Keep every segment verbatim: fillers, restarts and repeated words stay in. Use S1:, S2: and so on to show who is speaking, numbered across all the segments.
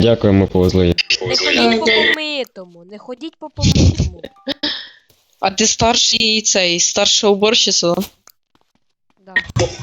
S1: Дякую, ми повезли.
S2: Не ходіть по помитому, не ходіть по помитому.
S3: А ти старший цей, старша уборщиця?
S2: Да.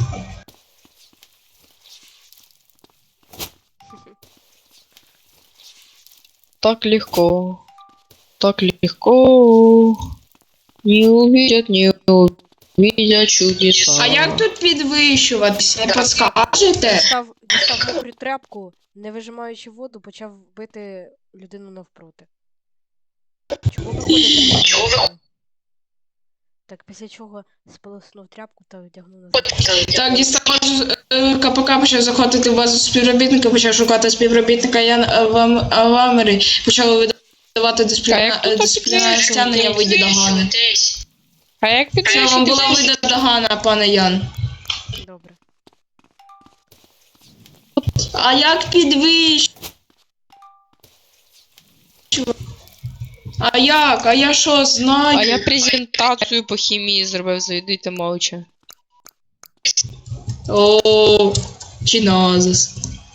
S3: Так легко. Так легко. Не увидят, не увидят чудеса.
S4: А як тут підвищуватись? Не підскажете?
S2: Дістав, дістав мокру тряпку, не вижимаючи воду, почав бити людину навпроти. Чого ви ходите? Чого ви? Так, після чого сполоснув тряпку та одягнув на
S4: Так, дістав е, КПК, почав заходити в базу співробітника, почав шукати співробітника Ян Авам- Авамери, почав видавати
S3: А як
S4: дисципліна-
S3: тут
S4: дисциплінарне стягнення в виді догани.
S3: А як
S4: Це вам була вида догана, пане Ян.
S2: Добре.
S4: А як підвищувати? А як? А я що, знаю?
S3: А я презентацію по хімії зробив, зайдуйте мовча.
S4: О, чиназис.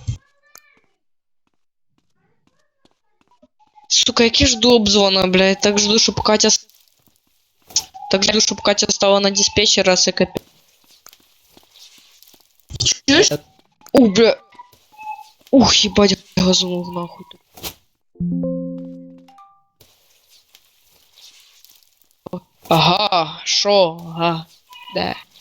S3: Сука, який жду обзвона, блядь. Так жду, щоб Катя... с- Так жду, щоб Катя стала на диспетчера, с ЭКП.
S4: Чуєш?
S3: Ух, бля. Ух, ебать, газанул нахуй. Ага, шо, ага, да.